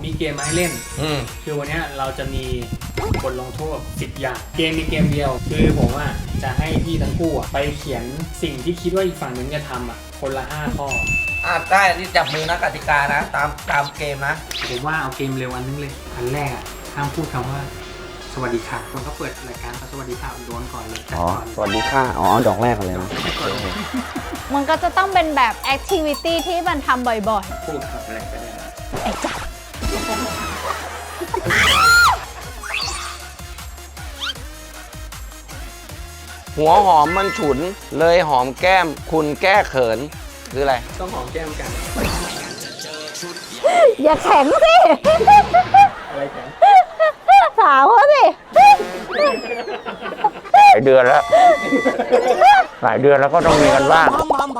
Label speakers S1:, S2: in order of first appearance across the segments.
S1: มีเกมมาให้เล่นคือวันนี้เราจะมีบทลงโทษ10 อย่างเกมมีเกมเดียวคือผมจะให้พี่ทั้งคู่ไปเขียนสิ่งที่คิดว่าอีกฝั่งนึงจะทำคนละ5 ข้อ
S2: ได้นี่จับมือนะกติกานะตามเกมนะ
S1: ผมว่าเอาเกมเร็วอันนึงเลยอันแรกห้ามพูดคำว่าสวัสดีค่ะคนเขาเปิดรายการสวัสดีค่ะโดนก่อนเลย
S3: สวัสดีค่ะดอกแรกกันเลยนะ
S4: มันก็จะต้องเป็นแบบแอคทิวิตี้ที่มันทำบ่อย
S1: ๆพูดครับอะไรก็ได้
S4: ไอ้จ๊ะ
S3: หัวหอมมันฉุนเลยหอมแก้มคุณแก้เขินคืออะไร
S1: ต้องหอมแก้มกัน
S4: อย่าแข็งสิ
S1: อะไรแข็ง
S4: ถามเขาสิ
S3: หลายเดือนแล้วก็ต้องมีกันบ้าง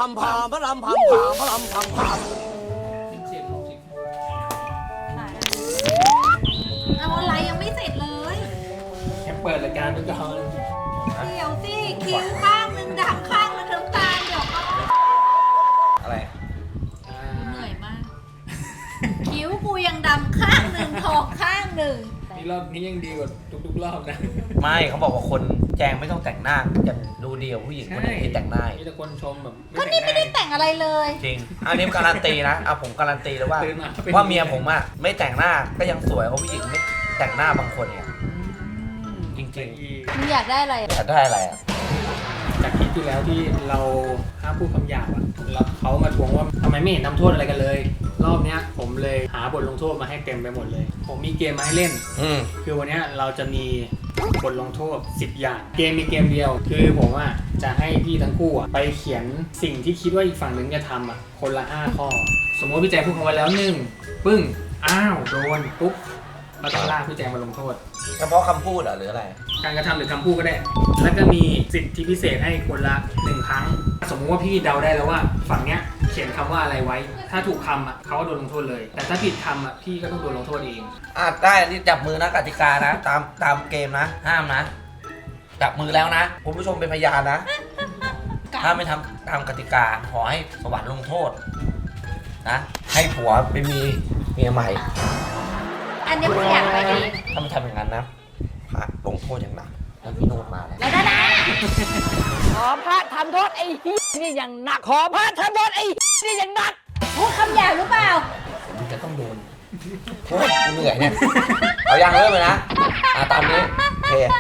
S4: เอาอะไรยังไม่เสร็จเลย
S1: แค่เปิดรายการไปก่อน
S4: เดี๋ยวสิคิ้วข้างหนึ่งดำข้างหนึ่งน้ำตาลเดี๋ยวก็
S2: อะไร
S4: เหนื่อยมากคิ้วกูยังดำข้างหนึ่งทองข้างหนึ่ง
S1: นี่รอบนี้ยังดีกว่าทุกๆรอบนะ
S2: ไม่เขาบอกว่าคนแจงไม่ต้องแต่งหน้าจะดูดีกว่าผู้หญิงคนที่แต่งหน้า
S1: มีแต่คนชมแบบ
S4: ก็นี่ไม่ได้แต่งอะไรเลย
S2: จริงอันนี้การันตีนะผมการันตีเลยว่าเมียผมไม่แต่งหน้าก็ยังสวยกว่าผู้หญิงไม่แต่งหน้าบางคนเนี่ยจริง
S4: ๆมึงอยากได้อะไร
S2: อยากได้อะไร
S1: จากคลิปที่แล้วที่เราห้ามพูดคำหยาบแล้วเขามาทวงว่าทำไมไม่เห็นทำโทษอะไรกันเลยรอบนี้ผมเลยหาบทลงโทษมาให้เต็มไปหมดเลยผมมีเกมมาให้เล่นคือวันนี้เราจะมีบทลงโทษ10 อย่างเกมมีเกมเดียวคือผมจะให้พี่ทั้งคู่ไปเขียนสิ่งที่คิดว่าอีกฝั่งนึงจะทำคนละ5 ข้อสมมติพี่แจงพูดคำว่าแล้ว1ปึ้งอ้าวโดนปุ๊บเราต้องลากพี่แจงมาลงโทษ
S2: เฉพาะคำพูดหรืออะไร
S1: การกระทำหรือคำพูดก็ได้แล้วก็มีสิทธิพิเศษให้คนละ1 ครั้งสมมติว่าพี่เดาได้แล้วว่าฝั่งเนี้ยเขียนคำว่าอะไรไว้ถ้าถูกคำเขาก็โดนลงโทษเลยแต่ถ้าผิดคำพี่ก็ต้องโดนลงโทษเอง
S2: ได้นี่จับมือนะกติกานะตามเกมนะห้ามนะจับมือแล้วนะคุณผู้ชมเป็นพยานนะถ้าไม่ทำตามกติกาขอให้สวรรค์ลงโทษนะให้ผัวไปมีเมียใหม่
S4: อันนี้ไม่อยากไปเอง
S2: ถ้าไม่ทำอย่างนั้นนะพระลงโทษอย่างหนักแล้วพี่โนดมาแล้ว
S4: นะขอพระทำโทษไอ้นี่อย่างหนักขอพระทำโทษไอ้นี่อย่างหนักพูดคำหยาบหรือเปล่า
S2: ผมจะต้องโดนโอ้ยเหนื่อยเนี่ยเอายังเริ่มเลยนะตามนี้เฮ้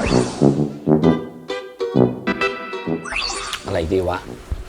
S3: อะไรดีวะ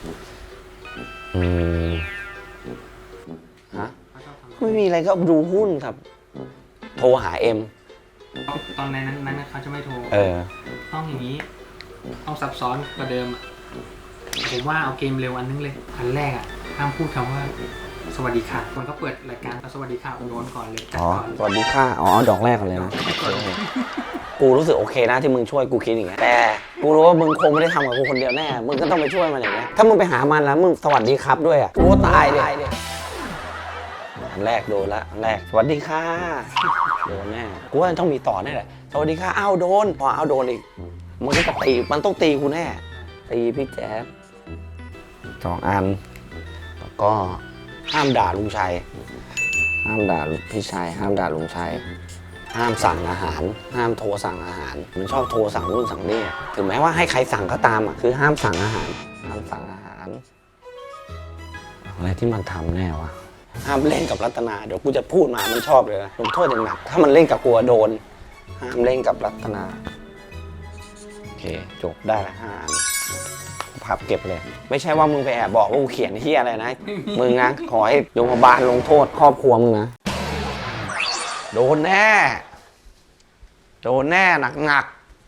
S3: ไม่มีอะไรก็ดูหุ้นครับโทรหาเอ็ม
S1: ตอนนั้นเขาจะไม่โทรต้องอย่างนี้ต้องซับซ้อนกว่าเดิมผมว่าเอาเกมเร็วอันนึงเลยอันแรกห้ามพูดคำว่าสวัสดีค่ะคนเขาเปิดรายการสวัสดีค่ะโดนก่อนเลย
S3: สวัสดีค่ะดอกแรกกันเลยนะกูรู้สึกโอเคนะที่มึงช่วยกูคิดอย่างเงี้ยแต่กูรู้ว่ามึงคงไม่ได้ทำกับกูคนเดียวแน่มึงก็ต้องไปช่วยมันอย่างเงี้ยถ้ามึงไปหามันแล้วมึงสวัสดีครับด้วยกูตายเลยอันแรกโดนละอันแรกสวัสดีค่ะโดนแน่กูว่าต้องมีต่อแน่แหละสวัสดีค่ะโดนพอโดนอีกมันก็ตีมันต้องตีกูแน่ตีพี่แจ๊บ2 อันแล้วก็ห้ามด่าลุงชัยห้ามด่าพี่ชัยห้ามด่าลุงชัยห้ามสั่งอาหารห้ามโทรสั่งอาหารมันชอบโทรสั่งนู่นสั่งนี่ถึงแม้ว่าให้ใครสั่งก็ตามคือห้ามสั่งอาหารห้ามสั่งอาหารอะไรที่มันทำแน่วะห้ามเล่นกับรัตนาเดี๋ยวกูจะพูดมามันชอบเลยนะลงโทษอย่างหนักถ้ามันเล่นกับกูโดนห้ามเล่นกับรัตนาโอเคจบได้ละ5 อันพับเก็บเลยไม่ใช่ว่ามึงไปแอบบอกว่ากูเขียนที่อะไรนะมึงนะขอให้โรงพยาบาลลงโทษครอบครัวมึงนะโดนแน่หนัก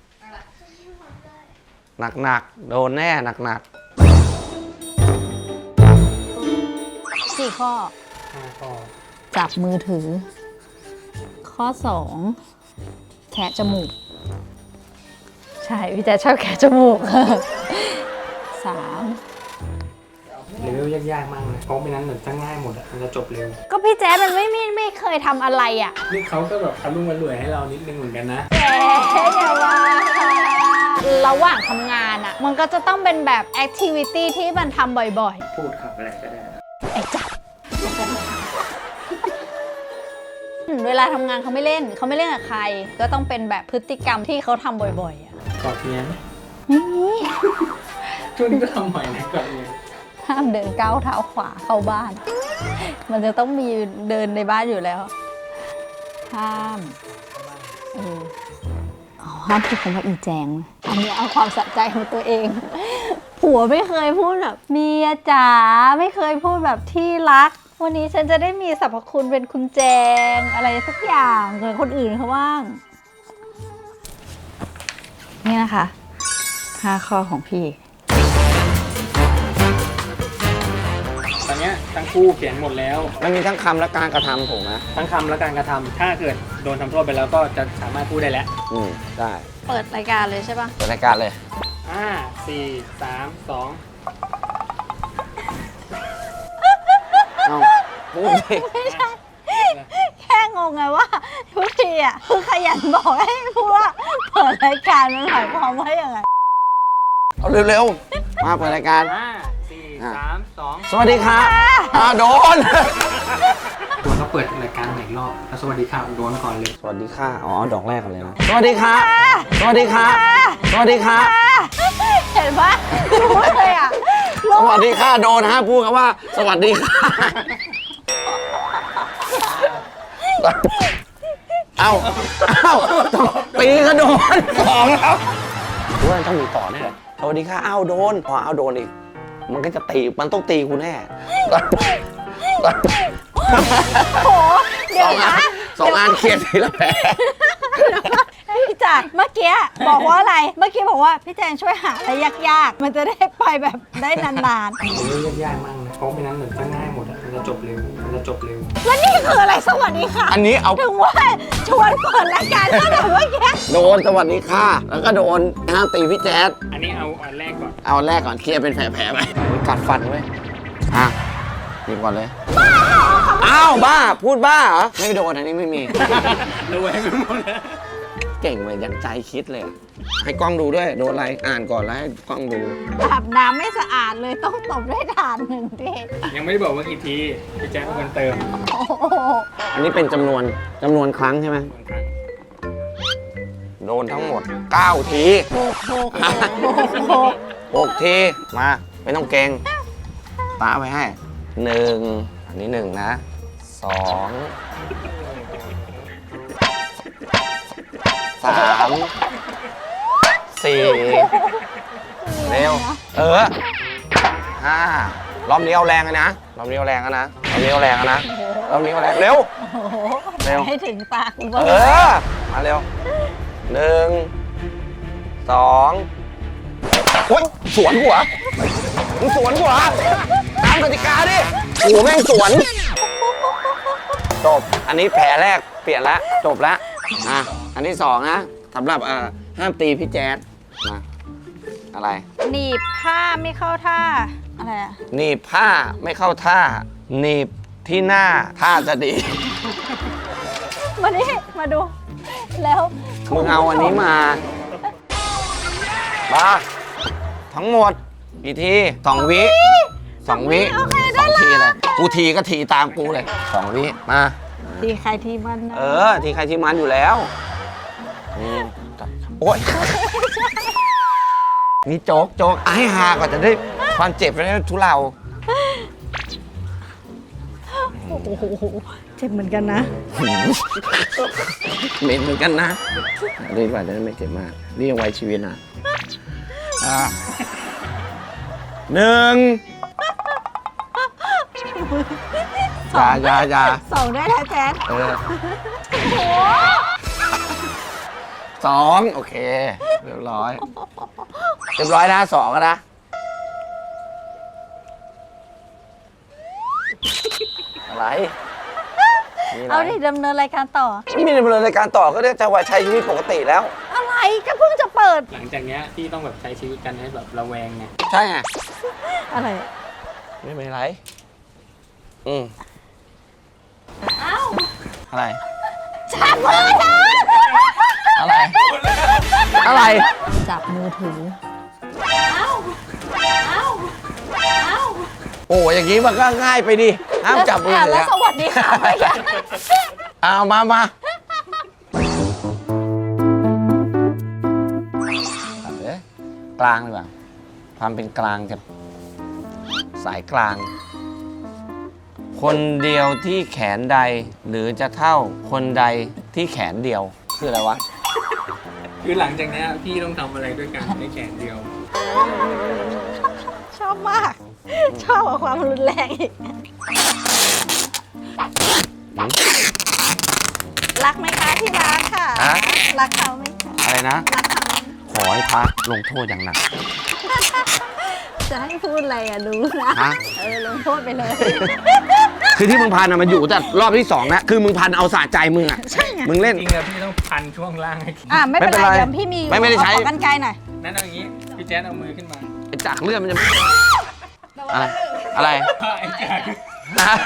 S3: โดนแน่หนัก
S4: 4 ข้อจับมือถือข้อ2แคะจมูกใช่พี่แจ๊ชอบแคะจมูก3
S1: เลเวลยากๆมากเลยเพราะไม่นั้นเหมือนจะง่ายหมดมันจะจบเร็ว
S4: ก็พี่แจ๊มันไม่เคยทำอะไร
S1: นี่เขาก็แบบทำรุ่งมารวยให้เรานิดนึงเหมือนกันนะ
S4: อย่าว่าระหว่างทำงานมันก็จะต้องเป็นแบบแอคทิวิตี้ที่มันทำบ่อยๆ
S1: พูดขับอะไรก็ได้
S4: ไอ้จ๊ะเวลาทำงานเขาไม่เล่นกับใคร ก็ต้องเป็นแบบพฤติกรรมที่เขาทำบ่อยๆอ่ะ
S1: กอดเมียไหม
S4: ไม่มี
S1: ช่วงนี้ก็ทำบ่อยนะกอดเมีย
S4: ห้ามเดินก้าวเท้าขวาเข้าบ้าน มันจะต้องมีเดินในบ้านอยู่แล้ว ห้ามห้ามพูดคำว่าอีแจง อันนี้เอาความสะใจของตัวเอง ผัวไม่เคยพูดแบบเมียจ๋าไม่เคยพูดแบบที่รัก วันนี้ฉันจะได้มีสรรพคุณเป็นคุณแจงอะไรสักอย่างเหมือนคนอื่นเขาบ้าง นี่นะคะ5 ข้อของพี่
S1: ตอนเนี้ยทั้งคู่เขียนหมดแล้ว
S3: มันมีทั้งคำและการกระทำถูกไหม
S1: ทั้งคำและการกระทำถ้าเกิดโดนทำโทษไปแล้วก็จะสามารถพูดได้แล้ว
S3: ได้
S4: เปิดรายการเลยใช่ปะ
S3: เปิดรายการเลย
S1: 5 4 3 2
S3: เอาพูดสิ
S4: ไม่ใช่ แค่งงไงว่าทุกทีอ่ะคือขยันบอกให้พูดว่าเปิดรายการมันหมายความว่าอย่างไร
S3: เอาเร็วๆ มาเปิดรายการ
S1: 5 4 3 2
S3: สวัสดีครับโดน
S1: ตัวเขาเปิดรายการหนึ่งรอบแล้วสวัสดีครับโดนก่อนเลย
S3: สวัสดีค่ะ อ๋อ ดอกแรกกันเลยนะ สวัสดีครับ สวัสดีครับ สวัสดีครับ
S4: เห็นปะรู้เลยอ่ะ
S3: สวัสดีค่ะ โดนฮะพูดคำว่า สวัสดีค่ะ เอ้าปีก็โดนสองแล้วว่าต้องมีต่อแน่สวัสดีค่ะ เอ้าโดนพอเอาโดนอีก มันก็จะตี มันต้องตีกูแน่
S4: โหเดี๋ยวนะ
S3: สองอันเคลียร์ทีละแผล
S4: พี่จ๋าเมื่อกี้บอกว่าอะไร เมื่อกี้บอกว่าพี่แจงช่วยหาอะไรยากๆ มันจะได้ไปแบบได้นาน
S1: ผมเลือกยากมากนะเพราะไม่นั้นเหมือนจะง่ายหมดอะมันจะจบเร็วมันจะจบเร็ว
S4: ๆ แล้วนี่คืออะไรสวัสดีค่ะ
S3: อันนี้เอา
S4: ถึงว่าชวนเปิดรายการก็แต่เมื่อกี้
S3: โดนสวัสดีค่ะ แล้วก็โดนห้ามตีพี่แจ๊ด
S1: อันนี้เอาอันแรกก่อน
S3: เอาแรกก่อนเคลียร์เป็นแผลๆไปกัดฟันไว้ยอ่ะหยิบก่อนเลย อ้าวบ้า พูดบ้าเหรอ ไม่โดนอันนี้ไม่มี
S1: ระแวงไปหมดแล้ว
S3: เก่งเลยยังใจคิดเลยอะให้กล้องดูด้วย โดนอะไร อ่านก่อนแล้วให้กล้องดู
S4: อาบน้ำไม่สะอาดเลยต้องตบด้วยถ่านหนึ่งที
S1: ยังไม่ได้บอกว่ากี่ทีพี่แจ๊คเป็นคนเติม
S4: โอ้โห
S3: อันนี้เป็นจำนวนครั้งใช่ไหม โดนทั้งหมด 9 ที
S4: โอ้โห
S3: 6 ที มาไม่ต้องเก่งตาไว้ให้ 1 อันนี้ 1 นะ 2 3 4 เร็ว 5 รอบนี้เอาแรงเลยนะ รอบนี้เอาแรงแล้วนะ รอบนี้เอาแรงแล้วนะ รอบนี้เอาแรง เร็ว
S4: โอ้โห
S3: เร็ว
S4: ให้ถึงตาคุณ
S3: เออ มาเร็ว 1 2โอ๊ยสวนหัวมึงสวนหัวตามกติกาดิโอ้โหแม่งสวน จบ อันนี้แผลแรกเปลี่ยนแล้ว จบแล้ว อันที่สองนะสำหรับห้ามตีพี่แจ๊ดมาอะไร
S4: หนีบผ้าไม่เข้าท่า อะไรอะ
S3: หนีบผ้าไม่เข้าท่า หนีบที่หน้าท่าจะดี
S4: มานี่มาดู แล้ว
S3: มึงเอาอันนี้มาทั้งหมดกี่ที2 วิ 2 วิ
S4: โอเค
S3: ส
S4: ได้
S3: อง
S4: แล้
S3: ที
S4: ว
S3: เลยกูทีก็ทีตามกูเลย2 วิมา
S4: ทีใครทีมันนะ
S3: ทีใครทีมันอยู่แล้วโอ๊ยนี่โจ๊กให้ฮาก่อนจะได้ความเจ็บจะได้ทุเลา
S4: โอ้โหเจ็บเหมือนกันนะ
S3: เหม็นเหมือนกันนะรีบกว่าจะได้ไม่เจ็บมากนี่ยังไว้ชีวิตนะ1อย่า
S4: ส่งได้แล้วแจ๊ด
S3: 2 โอเค เรียบร้อยนะ2นะอะไรมีอะไร
S4: เอาดิดำเนินรายการต่อ
S3: ไม่มีดำเนินรายการต่อก็ได้จะว่าใช้ชีวิตปกติแล้ว
S4: อะไรก็เพิ่งจะเปิด
S1: หลังจากเนี้ยพี่ต้องแบบใช้ชีวิตกันให้แบบระแวงไง
S3: ใช่ไง
S4: อะไร
S3: ไม่เป็นไร
S4: เอ้า
S3: อะไร
S4: จับมือถือ
S3: อะไร อะไร
S4: จับมือถือ
S3: โอ้อย่างนี้มันก็ง่ายไปดิ ห้ามจับมือ
S4: แล้ว
S3: ถือ
S4: สวัสดีค่ะไม่ใช่
S3: เอามาเกลางดีกว่าความเป็นกลางจะสายกลาง คนเดียวที่แขนใดหรือจะเท่าคนใดที่แขนเดียวคืออะไรวะ
S1: คือหลังจากเนี้ยพี่ต้องทำอะไรด้วยกันในแขนเดียว
S4: ชอบมาก ชอบกับความรุนแรงอีก รักไหมคะที่รักค่ะ
S3: ฮะ
S4: รักเขาไหมคะ
S3: อะไรนะ
S4: รักเขาไหม
S3: ขอให้พระลงโทษอย่างหนัก
S4: จะให้พูดอะไรอ่ะดูนะ
S3: ฮะ
S4: ลงโทษไปเลย
S3: คือที่มึงพันอะมันอยู่แต่รอบที่สองนะคือมึงพันเอาสะใจมึงอะ
S4: ใช่ไง
S3: มึงเล่น
S1: จริงๆอะพี่ต้องพันช่วงล่างให้
S4: ไม่เป็น
S3: ไม่เป็น
S4: ไร
S3: ไร
S4: เดี๋ยวพี่มีอยู่
S3: ไม่ได้ใช้
S4: ขอกันไกลหน่อย
S1: นั่นเอาอย่างนี้พี่แจ๊ดเอามือขึ้นมา
S3: ไอ้จักรเลือดมันจะอะไรอะไร
S1: ไอ้แจ๊ด
S3: ฮะ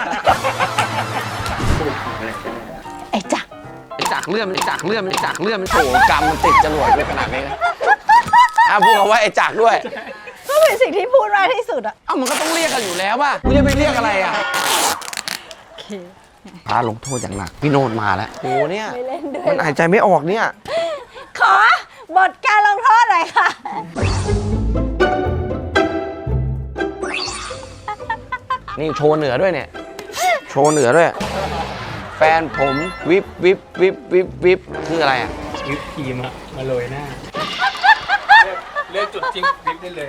S4: ไอ้จักร
S3: ไอ้จักรเลือดมันจักรเลือดมันจักรเลือดมันโถกรรมมันติดจรวดไปขนาดนี้นะพูดคำว่าไอ้จักรด้วย
S4: ก็เป็นสิ่งที่พูดมากที่สุดอ่ะ
S3: เอ้ามันก็ต้องเรียกกันอยู่แล้วป่ะมึงจะไปเรียกอะไรอ่ะพาลงโทษอย่างหนักพี่โนดมาแล้วโหเนี่ย
S4: ไม่เล่นด้วย
S3: มันหายใจไม่ออกเนี่ย
S4: ขอบทการลงโทษหน่อยค่ะ
S3: นี่โชว์เหนือด้วยเนี่ย โชว์เหนือด้วย แฟนผมวิบวิบวิบวิบวิบคืออะไรอ่ะ
S1: วิปครีมอะมาโรยหน้า เลือกจุดจิ้มวิปได้เลย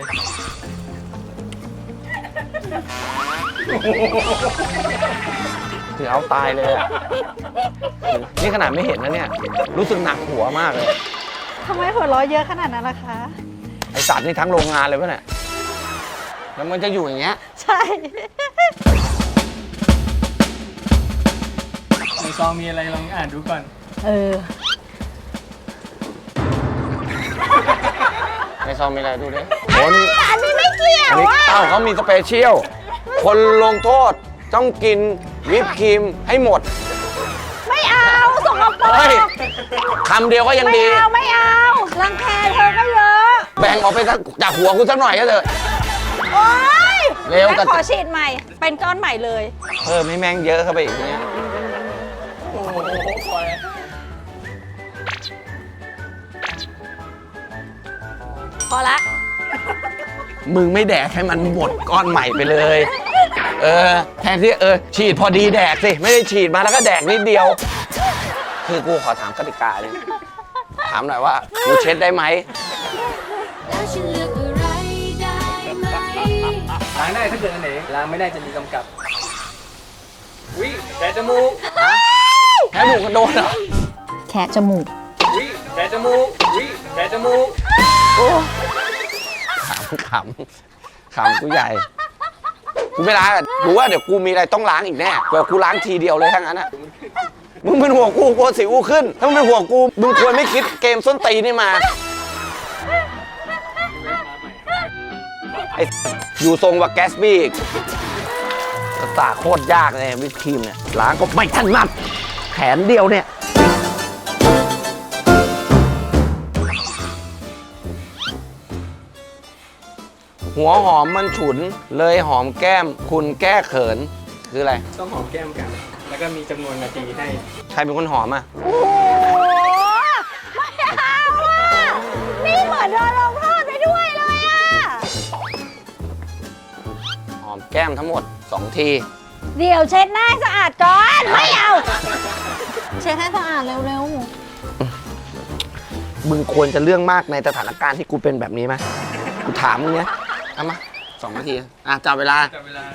S3: คือเอาตายเลยอ่ะนี่ขนาดไม่เห็นนะเนี่ย รู้สึกหนักหัวมากเลย
S4: ทำไมหัวเราะเยอะขนาดนั้นล่ะคะ
S3: ไอสัตว์นี่ทั้งโรงงานเลยวะเนี่ย แล้วมันจะอยู่อย่างเงี้ย
S4: ใช่
S1: ในซองมีอะไรลองอ่านดูก่อน
S3: ในซองมีอะไรดูดิโอ้นี่
S4: อันนี้ไม่เกี่ย
S3: อัน
S4: ว
S3: นี้
S4: อ่ะ
S3: เอ้าเขามีสเปเชียล คนลงโทษต้องกินวิปครีมให้หมด
S4: ไม่เอาสกปร
S3: เฮ้ย
S4: ก
S3: คำเดียวก็ยัง
S4: ไม่
S3: ดี
S4: เอาไม่เอารังแคเธอก็เยอะ
S3: แบ่งออกไปจากหัวกูสักหน่อยก็เถอะ
S4: โอ๊ย
S3: เร็ว
S4: งั้นขอฉีดใหม่ เป็นก้อนใหม่เลย
S3: เพิ่มให้แม่งเยอะเข้าไปอีกเนี่ย
S1: โอ้โหปล่อย
S4: พอละ
S3: มึงไม่แดกให้มันหมดก้อนใหม่ไปเลย แทนที่ฉีดพอดีแดกสิ ไม่ได้ฉีดมาแล้วก็แดกนิดเดียว คือกูขอถามกติกาเลยถามหน่อยว่ากูเช็ดได้ไหม
S5: แล้วฉันเลือกอะไรได้ไหม
S1: ล้างได้ถ้าเกิดอันไหนล้างไม่ได้จะมีกำกับวิแต่จมูก
S3: แพ้หมูกระโดดเหรอ
S4: แคะจมูก
S1: วิแต่จมูกวิแต่จมูก
S3: ขำกูใหญ่ กูไม่ล้างกูว่าเดี๋ยวกูมีอะไรต้องล้างอีกแน่เดี๋ยวกูล้างทีเดียวเลยทั้งนั้นอะมึงเป็นห่วงกูกลัวสิวกูขึ้น ถ้ามึงเป็นห่วงกูมึงควรไม่คิดเกมส้นตีนนี่มาไอ้อยู่ทรงว่าแกสบี้อีกตาโคตรยากเลยวิปครีมเนี่ยล้างก็ไม่ถนัดแขนเดียวเนี่ยหัวหอมมันฉุนเลยหอมแก้มคุณแก้เขินคืออะไร
S1: ต้องหอมแก้มกัน แล้วก็มีจำนวนนาทีให้
S3: ใครเป็นคนหอมอ่ะ
S4: โอ้โหไม่เอาอ่ะ นี่เหมือนโดนลงโทษไปด้วยเลยอ่ะ
S3: หอมแก้มทั้งหมด 2 ที
S4: เดี๋ยวเช็ดหน้าให้สะอาดก่อน ไม่เอา เช็ดให้สะอาดเร็ว
S3: มึงควรจะเรื่องมากในสถานการณ์ที่กูเป็นแบบนี้ไหมกูถามมึงเนี้ยเอามา2 นาทีจับเวลา
S1: จับเวลา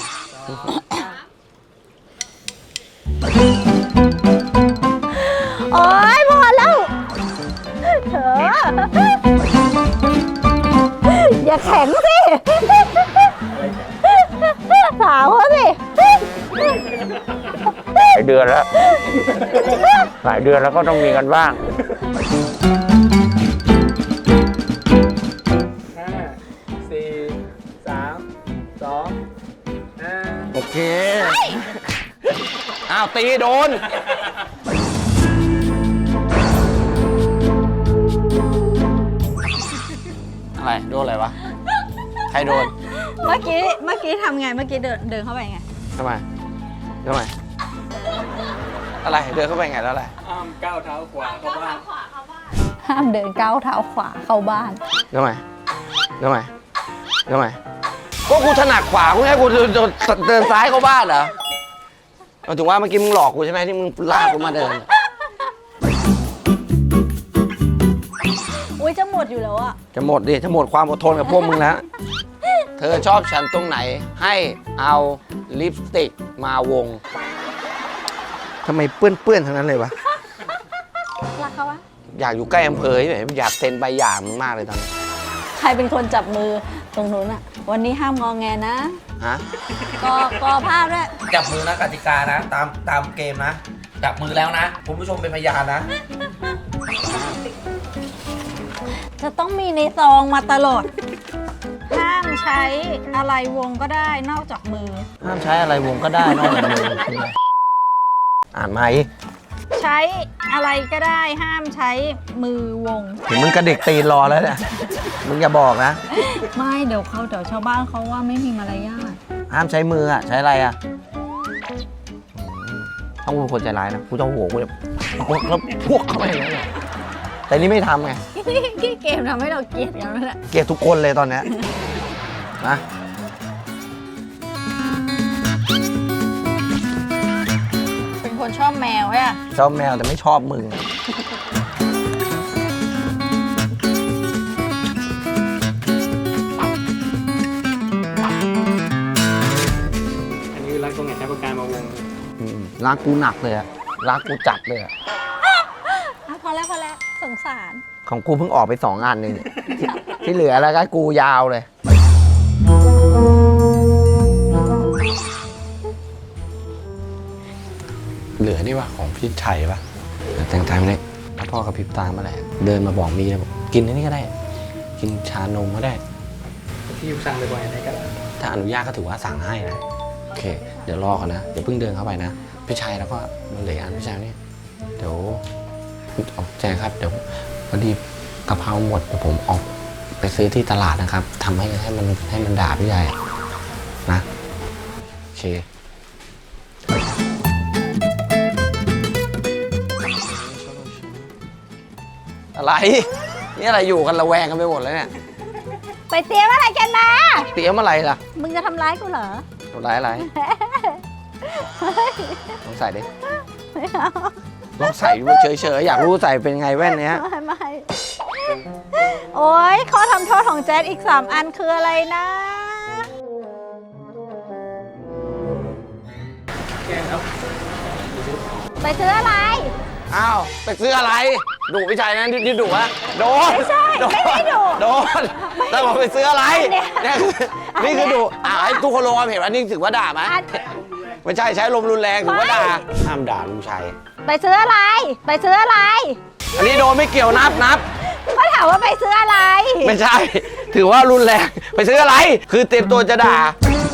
S4: ๆ โอ๊ยพอแล้วเถอะอย่าแข็งสิ สาวเขาสิ
S3: หลายเดือนแล้ว หลายเดือนแล้วก็ต้องมีกันบ้าง
S1: 5 4 3 2
S3: โอเค อ้าวตีโดน อะไร โดนอะไรวะ ใครโดน
S4: เมื่อกี้ทำไง เมื่อกี้เดินเข้าไปไง
S3: ทำไมอะไรเดินเข้าไปไงแล้วอะไร
S1: ห้ามก้าวเท้าขวาเข้าบ้าน
S4: ห้ามเดินก้าวเท้าขวาเข้าบ้าน
S3: ทำไมก็กูถนัดขวากูให้กูเดินซ้ายเข้าบ้านเหรอเอาถึงว่าเมื่อกี้มึงหลอกกูใช่ไหมที่มึงลากกูมาเดิน
S4: อุ้ยจะหมดอยู่แล้วอะ
S3: จะหมดดิจะหมดความอดทนกับพวกมึงแล้ว เธอชอบฉันตรงไหนให้เอาลิปสติกมาวงทำไมเปื้อนทั้งนั้นเลยวะ
S4: รักเขาวะ
S3: อยากอยู่ใกล้อำเภอแบบอยากเซ็นใบหย่ามึงมากเลยตอนนี้
S4: ใครเป็นคนจับมือตรงนู้นอะวันนี้ห้ามงอแงนะ
S3: ฮะ
S4: กอภาพด้วย
S2: จับมือนะกติกานะ ตามเกมนะ จับมือแล้วนะคุณผู้ชมเป็นพยานนะ
S4: จะต้องมีในซองมาตลอด ห้ามใช้อะไรวงก็ได้นอกจากมือ
S3: ห้ามใช้อะไรวงก็ได้นอกจากมืออ่านไหม
S4: ใช้อะไรก็ได้ห้ามใช้มือวง
S3: เห็นมึงกระเด็กตีนรอแล้วเนี่ยมึงอย่าบอกนะ
S4: ไม่เดี๋ยวชาวบ้านเขาว่าไม่มีมารยาท
S3: ห้ามใช้มืออ่ะใช้อะไรอ่ะต้องเป็นคนใจร้ายนะกูจะเอาหัวกูจะแล้วพวกเข้าไปอย่างนี้นแต่นี่ไม่ทำไง
S4: ที่เกมทำให้เราเกลียดกันแล้วแหละ
S3: เกลียดทุกคนเลยตอนเนี้ยนะ
S4: เป็นคนชอบแมวใช่ไหม
S3: ชอบแมวแต่ไม่ชอบมึง
S1: อันนี้คือรักตรงไหนใช้ประการมาวง
S3: รักกูหนักเลยอะรักกูจัดเลยอะ
S4: พอแล้วสงสาร
S3: ของกูเพิ่งออกไป2 อันเองเนี่ยที่เหลือแล้วก็กูยาวเลย เหลือนี่ว่าของพี่ชัยปะแต่งใจไม่ได้แล้วพ่อกับพริบตามาแหละเดินมาบอกมีเลยบอกกินอันนี้ก็ได้ กินชานมก็ได้
S1: ที่อยู่สั่งบ่อยๆอะไรก็ได้
S3: ถ้าอนุญาตก็ถือว่าสั่งให้นะโอเค เดี๋ยวรอก่อนนะเดี๋ยวเพิ่งเดินเข้าไปนะพี่ชัยแล้วก็มันเหลืออันพี่ชัยนี่เดี๋ยวออกแจ้งครับเดี๋ยวพอดีกะเพราหมดเดี๋ยวผมออกไปซื้อที่ตลาดนะครับทำให้มันด่าพี่ชัยนะโอเคอะไรนี่อะไรอยู่กันระแวงกันไปหมดเลยเนี่ย
S4: ไปเตรียมอะไรกันมา
S3: เตรียมอะไรล่ะ
S4: มึงจะทำร้ายกูเหรอ
S3: ทำร้ายอะไรลองใส่ดิ
S4: ไม่เอา
S3: ลองใส่ดูเฉยๆอยากรู้ใส่เป็นไงแว่นเนี้ย
S4: ไม่โอ๊ยข้อทำโทษของแจ๊ดอีก3 อันคืออะไรนะ
S1: แก้ครับ
S4: ไปซื้ออะไร
S3: อ้าวไปซื้ออะไรดุพี่ชัยนะที่ดุอะโดน
S4: ไม่ใช่ไม่ได้ดุ
S3: โดนแต่บอกไปซื้ออะไร
S4: อันเนี้ย
S3: นี่คือดุให้ทุกคนลงความเห็นว่านี่ถือว่าด่าไหม
S4: อัน
S3: ไม่ใช่ใช้ลมรุนแรงถือว่าด่าห้ามด่าลุงชัย
S4: ไปซื้ออะไร ไปซื้ออะไร
S3: อันนี้โดนไม่เกี่ยวนับ
S4: ก็ถามว่าไปซื้ออะไร
S3: ไม่ใช่ ถือว่ารุนแรงไปซื้ออะไร คือเตรียมตัวจะด่า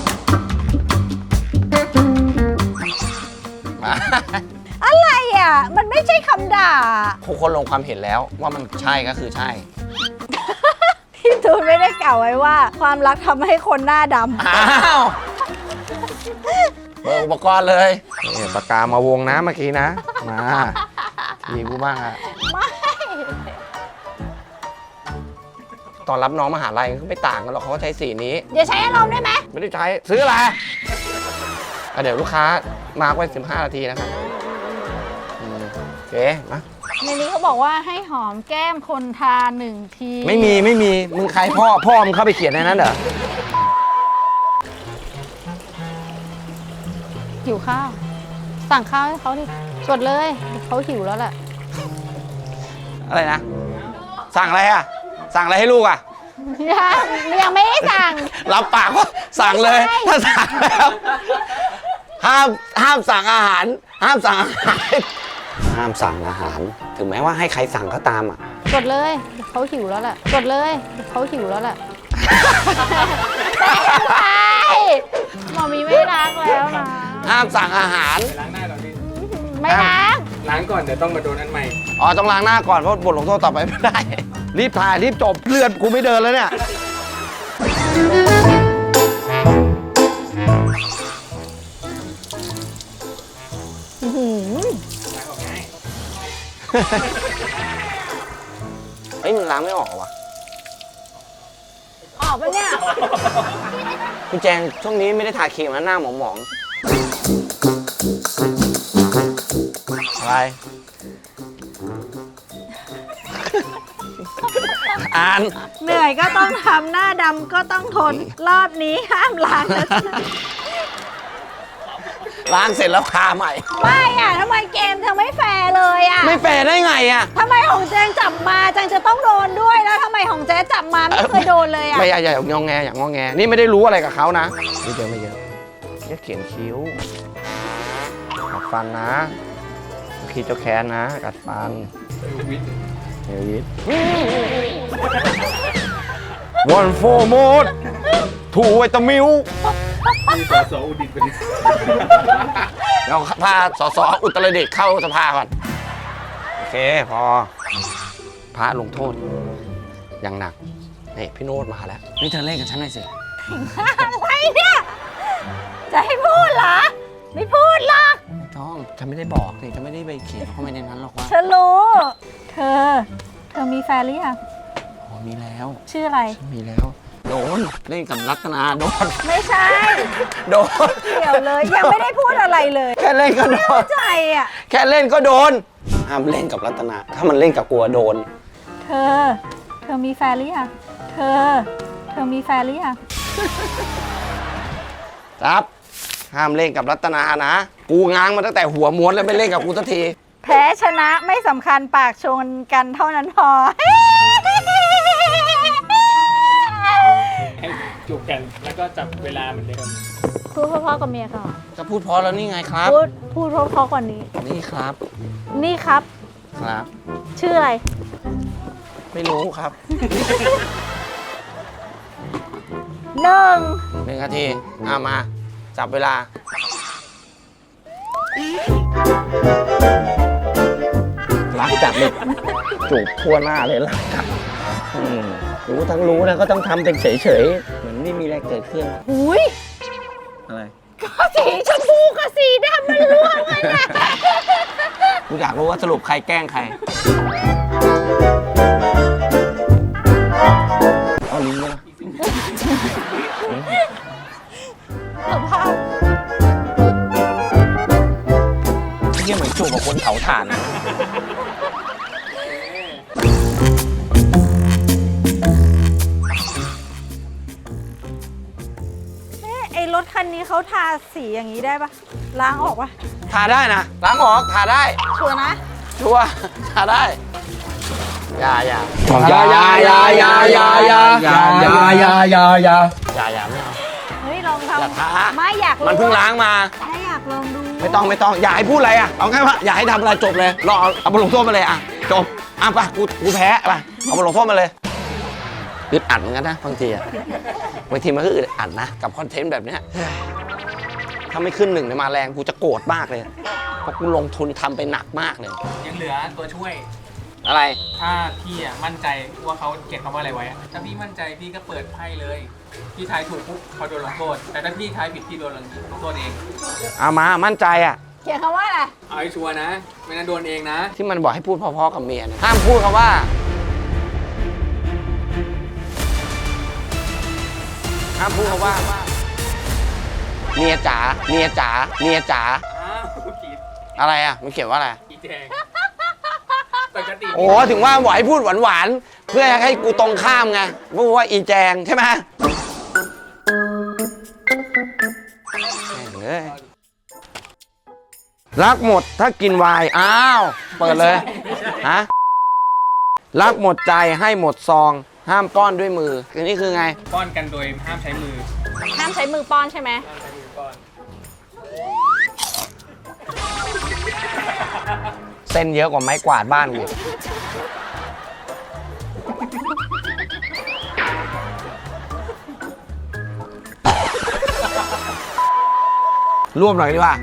S4: อะไรอ่ะ มันไม่ใช่คำด่า
S3: ทุกคนลงความเห็นแล้วว่ามันใช่ก็คือใช่
S4: พี่ตูนไม่ได้กล่าวไว้ว่า ความรักทำให้คนหน้าดำ
S3: อ้าวเบิกอุปกรณ์เลยนี่ปากกามาวงนะเมื่อกี้นะ มามีกูบ้างอะ
S4: ไม่
S3: ตอนรับน้องมหาลัยก็ไม่ต่างกันหรอกเขาก็ใช้สีนี้
S4: อย่าใช้อารมณ์ได้ไหม
S3: ไม่ได้ใช้ซื้ออะไรเดี๋ยวลูกค้ามาร์กไว้15 นาทีนะครับโอเคมา
S4: ในนี้เขาบอกว่าให้หอมแก้มคนทา1 ที
S3: ไม่มีมึงใครพ่อมึงเข้าไปเขียนในนั้นเหรอ
S4: หิวข้าว สั่งข้าวให้เขาดิกดเลยเขาหิวแล้วแหละ
S3: อะไรนะ สั่งอะไรอะสั่งอะไรให้ลูกอะ
S4: ยังไม่ได้สั่ง
S3: รับปากว่าสั่งเลย
S4: ไม่ใช่
S3: ถ้าสั่งแล้วห้ามสั่งอาหาร ห้ามสั่งอาหาร ห้ามสั่งอาหาร ถึงแม้ว่าให้ใครสั่งก็ตามอ่ะ
S4: กดเลยเขาหิวแล้วแหละกดเลยเขาหิวแล้วแหละหมอมีไม่รักแล้วนะ
S3: ห้ามสั่งอาหาร
S1: ไปล้างหน้าก่อนพี่
S4: ไม่รัก
S1: ล้างก่อนเดี๋ยวต้องมาโดนอันใหม่
S3: อ๋อต้องล้างหน้าก่อนเพราะบทลงโทษต่อไปไม่ได้ รีบถ่ายรีบจบเลือดกูไม่เดินแล้วเนี่ยเฮ้ยมันล้างไม่ออกเหรอวะ
S4: ออกปะเนี่ย
S3: คุณแจงช่วงนี้ไม่ได้ทาครีมนะหน้าหมองๆอะไร อ่าน
S4: เหนื่อยก็ต้องทำหน้าดำก็ต้องทน รอบนี้ห้ามล้างนะ
S3: ล้างเสร็จแล้วทาใหม่
S4: ไม่อะทำไมเกมเธอไม่แฟร์เลยอะ
S3: ไม่แฟร์ได้ไงอ่ะ
S4: ทำไมของแจงจับมาแจงจะต้องโดนด้วยแล้วทำไมของเจ๊จับมาไม่เคยโดนเลยอะ
S3: ไม่อย่างงอแงอย่างงอแง นี่ไม่ได้รู้อะไรกับเขานะไม่เยอะไม่เยอะแค่เขียนคิ้ว กัดฟันนะขีดเจ้าแค้นนะ กัดฟันเฮวิทวันโฟโมดถูไวตามิว
S1: มีสสอุดิตเป็น
S3: เราพาสสอุตรดิตถ์เข้าสภาก่อน โอเค พอ พระลงโทษ อย่างหนัก นี่พี่โน้ตมาแล้ว นี่เธอเล่นกับฉันหน่อยสิ
S4: อะไรเนี่ย จะให้พูดเหรอ ไม่พูดหรอก
S3: ไม่ต้องฉันไม่ได้บอกนี่ฉันไม่ได้ไปเขียนเข้าไปในนั้นหรอกว่า
S4: ฉันรู้ เธอมีแฟนหรือยัง
S3: อ๋อมีแล้ว
S4: ชื่ออะไร
S3: ฉันมีแล้ว โดน เล่นกับรัตนาโดน
S4: ไม่ใช่
S3: โดน
S4: เกี่ยวเลย ยังไม่ได้พูดอะไรเลย
S3: แค่เล่นก็โดน
S4: ใจอ่ะ
S3: แค่เล่นก็โดน ห้ามเล่นกับรัตนา ถ้ามันเล่นกับกลัวโดน
S4: เธอมีแฟนหรือยังเธอมีแฟนหรือยัง
S3: ครับ ห้ามเล่นกับรัตนานะ กูง้างมาตั้งแต่หัวม้วนแล้วไม่เล่นกับกูสักที
S4: แพ้ชนะไม่สำคัญปากชนกันเท่านั้นพอ
S1: ให้จูบกันแล้วก็จับเวลาเหมือนเดิม
S4: พูดเพราะๆกับเมียก่อน
S3: จะพูดเพราะแล้วนี่ไงครับ
S4: พูดเพราะๆกว่านี้
S3: นี่ครับ
S4: นี่ครับ
S3: ครับ
S4: ชื่ออะไร
S3: ไม่รู้ครับ
S4: หนึ่ง
S3: 1 นาทีมา จับเวลา รักจับเลยจูบทั่วหน้าเลยรักจับรู้ทั้งรู้นะก็ต้องทำเป็นเฉยๆ เหมือนไม่มีอะไรเกิดขึ้น
S4: หุย
S3: อะไร
S4: ก็สีชมพูกับสีดำมันร่วมกันนะ
S3: กูอยากรู้ว่าสรุปใครแกล้งใคร เอาลิ้นด้วยนะ
S4: สภาพ
S3: เยี่ยเหมือนจูบกับคนเผาถ่านนะ
S4: ไอ้รถคันนี้เขาทาสีอย่างนี้ได้ปะล้างออกปะ
S3: ทาได้นะ ล้างออกทาได้
S4: ชัวร์นะ
S3: ชัวร์ทาได้ อย่า
S2: อย่าไม่เอา
S4: เฮ้ยลอง
S3: อย่า
S4: ทำ
S3: ทา
S4: ไม่อยากรู้
S3: มันเพิ่งล้างมา
S4: ไม่อยากลองดู
S3: ไม่ต้อง อย่าให้พูดอะไรอ่ะ เอาแค่ว่าอย่าให้ทำอะไรจบเลย รอเอาบทลงโทษมาเลยอ่ะ จบ ไปกูแพ้ไปเอาบทลงโทษมาเลยอึดอัดเหมือนกันนะบางทีอ่ะบางทีมันก็อึดอัดนะ กับคอนเทนต์แบบเนี้ยถ้าไม่ขึ้น1เนี่ยมาแรงกูจะโกรธมากเลย เพราะกูลงทุนทำไปหนักมากเลย
S1: ยังเหลือตัวช่วย
S3: อะไร
S1: ถ้าพี่อ่ะมั่นใจว่าเขาเขียนคำว่าอะไรไว้อะถ้าพี่มั่นใจพี่ก็เปิดไพ่เลย พี่ทายถูกปุ๊บเขาโดนลงโทษ แต่ถ้าพี่ทายผิดพี่โดนลงโทษเอง
S3: เอามา มั่นใจอ่ะ
S4: เขียนคำว่าอะไร
S1: เอาให้ชัวร์นะ ไม่งั้นโดนเองนะ
S3: ที่มันบอกให้พูดเพอๆกับเมียนะห้ามพูดคำว่า ห้ามพูดคำว่า เมียจ๋า เมียจ๋า เมียจ๋า
S1: อ้าวผิด
S3: อะไรอ่ะ มันเขียนว่าอะไร
S1: อีแดงปกติ
S3: โอ้ถึงว่าบอกให้พูดหวานๆ เพื่อให้กูตรงข้ามไงพูดว่าอีแจงใช่ไหมแม่งเอ้ยรักหมดถ้ากินไวน์อ้าว เปิดเลย ฮะ รักหมดใจให้หมดซอง ห้ามป้อนด้วยมือคือนี่คือไง
S1: ป้อนกันโดยห้ามใช้มือ
S4: ห้ามใช้มือป้อนใช่ไหม
S1: ห้ามใช้มือป้อน
S3: เส้นเยอะกว่าไม้กวาดบ้านกูรวมหน่อยดีกว่า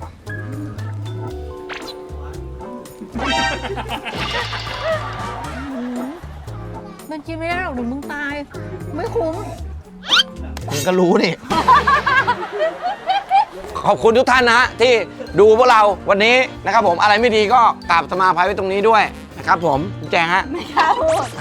S4: มันกินไม่ได้หรอกเดี๋ยวมึงตาย ไม่คุ้ม
S3: มึงก็รู้นี่ขอบคุณทุกท่านนะที่ดูพวกเราวันนี้นะครับผมอะไรไม่ดีก็กราบสมาภัยไว้ตรงนี้ด้วยนะครับผมคุณแจงฮะไม่กล้าพูด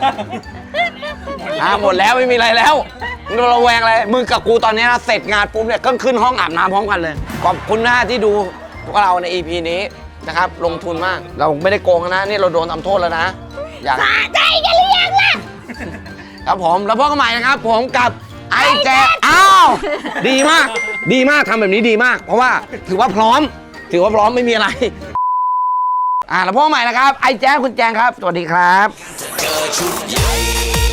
S3: หมดแล้วไม่มีอะไรแล้วมึงระแวงอะไรมึงกับกูตอนนี้นะเสร็จงานปุ๊บเนี่ยก็ขึ้นห้องอาบน้ำพร้อมกันเลยขอบคุณนะที่ดูพวกเราใน EP นี้นะครับลงทุนมากเราไม่ได้โกงนะนี่เราโดนทำโทษแล้วนะอยากใจกันหรือยังล่ะครับผมแล้วพบกันใหม่นะครับผมกับไอ้แจอ้าวดีมากดีมากทำแบบนี้ดีมาก เพราะว่าถือว่าพร้อมไม่มีอะไรแล้วพบกันใหม่นะครับไอ้แจคุณแจงครับสวัสดีครับ